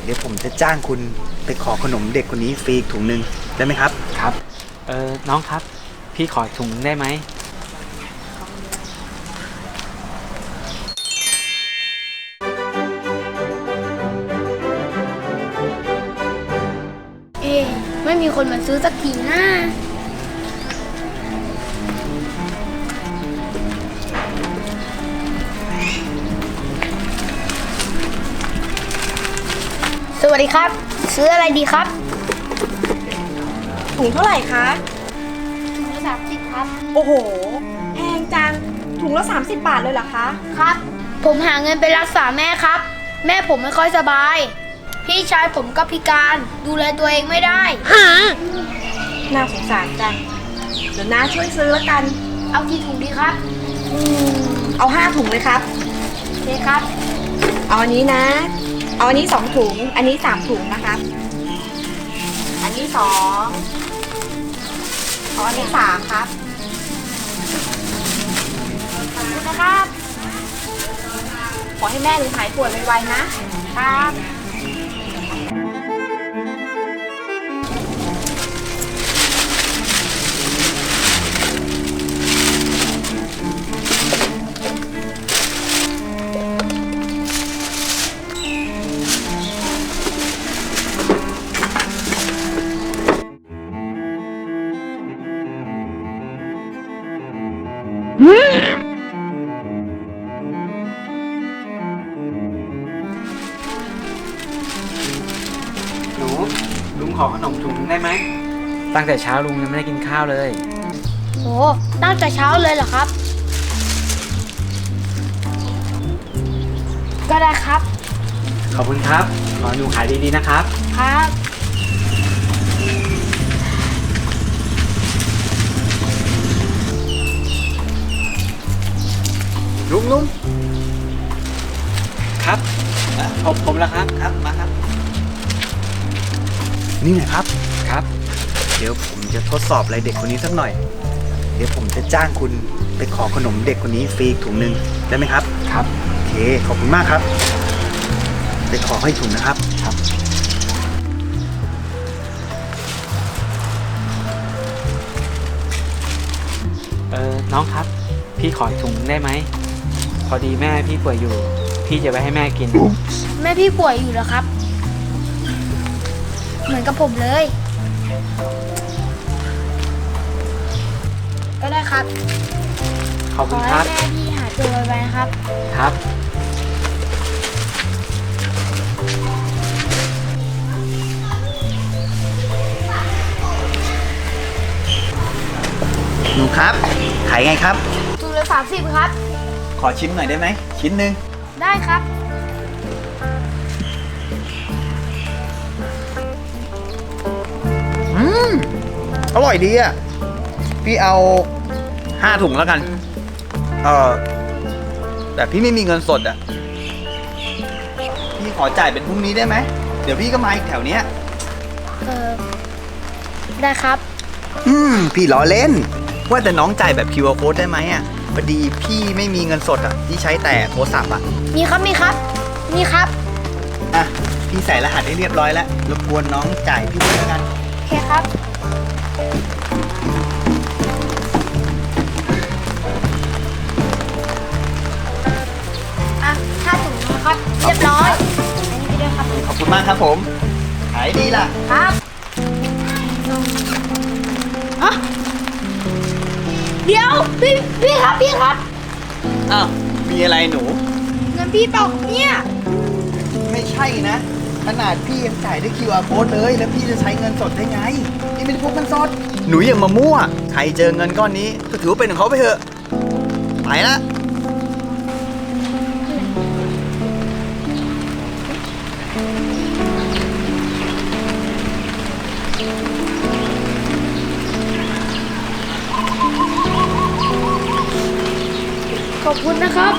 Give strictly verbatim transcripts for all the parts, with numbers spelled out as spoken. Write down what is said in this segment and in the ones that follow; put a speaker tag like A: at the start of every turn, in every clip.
A: ดี๋ยวผมจะจ้างคุณไปขอขนมเด็กคนนี้ฟรีอีกถุงหนึ่งได้ไหมครับ
B: ครับเออน้องครับพี่ขอถุงได้ไหม
C: เอ๊ะไม่มีคนมาซื้อสักทีนะสวัสดีครับ ซื้ออะไรดีครับ
D: ถุงเท่าไหร่คะ
C: ถุงละสามสิบครับ
D: โอ้โหแพงจังถุงละสามสิบบาทเลยเหรอคะ
C: ครับผมหาเงินไปรักษาแม่ครับแม่ผมไม่ค่อยสบายพี่ชายผมก็พิการดูแลตัวเองไม่ได้ฮะ
D: น่าสงสารจังเดี๋ยวน้าช่วยซื้อแล้วกัน
C: เอากี่ถุงดีครับ
D: อืมเอาห้าถุงเลยครับ
C: โอเคครับ
D: เอาอันนี้นะเอาอันนี้สองถุงอันนี้สามถุงนะครับอันนี้สองเอาอันนี้สามครับ
C: ขอบคุณนะครับ
D: ขอให้แม่หนูหายป่วยไวๆนะครับ
A: หนูลุงขอขนมถุงได้ไหม
B: ตั้งแต่เช้าลุงยังไม่ได้กินข้าวเลย
C: โอ้ตั้งแต่เช้าเลยเหรอครับก็ได้ครับ
B: ขอบคุณครับขอหนูขายดีๆนะครับ
C: ครับ
A: ลุงลุง
B: ครับผมผมแล้วครับ
A: ครับมาครับนี่หน่อยครับ
B: ครับ
A: เดี๋ยวผมจะทดสอบอะไรเด็กคนนี้สักหน่อยเดี๋ยวผมจะจ้างคุณไปขอขนมเด็กคนนี้ฟรีอีกถุงหนึ่งได้ไหมครับ
B: ครับ
A: โอเคขอบคุณมากครับไปขอให้ถุงนะครับ
B: ครับเออน้องครับพี่ขอถุงได้ไหมพอดีแม่พี่ป่วยอยู่พี่จะไปให้แม่กิน
C: แม่พี่ป่วยอยู่เหรอครับเหมือนกับผมเลยก็ได้ครับ
B: ขอบคุณครับ
C: ขอให้แม่พี่หายตัวไวๆนะครับ
B: ครับ
A: หนูครับขายไงครับ
C: ถุงละสามสิบครับ
A: ขอชิมหน่อยได้ไหมชิ้นหนึ่ง
C: ได้ครับ
A: อืมอร่อยดีอ่ะพี่เอาห้าถุงแล้วกันเออแต่พี่ไม่มีเงินสดอ่ะพี่ขอจ่ายเป็นพรุ่งนี้ได้ไหมเดี๋ยวพี่ก็มาอีกแถวเนี้ย
C: เออได้ครับ
A: อืมพี่ล้อเล่นว่าแต่น้องจ่ายแบบ คิว อาร์ Code ได้ไหมอ่ะพอดีพี่ไม่มีเงินสดอ่ะพี่ใช้แต่โทรศัพท์อ่ะ
C: มีครับมีครับมีครับ
A: อ่ะพี่ใส่รหัสให้เรียบร้อยแล้วรบกวนน้องจ่ายพี่ด้วยแล้วกัน
C: โอเคครับอ่ะค่าถุงนะครับเรียบร้อยอันนี้ไปด้วยครับ
A: ขอบคุณมากครับผมขายดีล่ะ
C: ครับอ่ะเดี๋ยวพี่พี่ครับพี่ครับ
A: อ้าวมีอะไรหนู
C: เงินพี่เปล่าเนี่ย
A: ไม่ใช่นะขนาดพี่ยังจ่ายด้วย คิว อาร์ Code เลยแล้วพี่จะใช้เงินสดได้ไงพี่ไม่ได้พกเงินสดหนูอย่ามามั่วใครเจอเงินก้อนนี้ก็ถือว่าเป็นของเขาไปเถอะไปละ
C: ขอบคุณนะครับ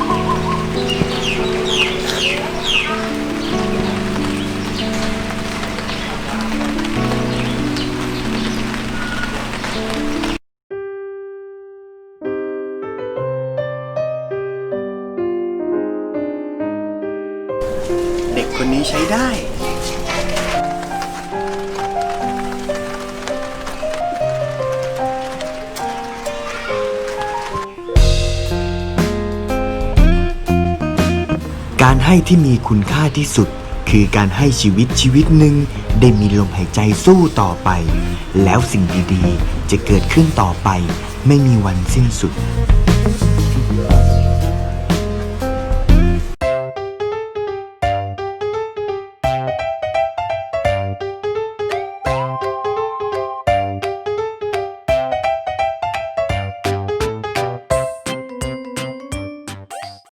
A: เด็กคนนี้ใช้ได้
E: การให้ที่มีคุณค่าที่สุด คือการให้ชีวิตชีวิตหนึ่งได้มีลมหายใจสู้ต่อไป แล้วสิ่งดีๆ จะเกิดขึ้นต่อไปไม่มีวันสิ้นสุด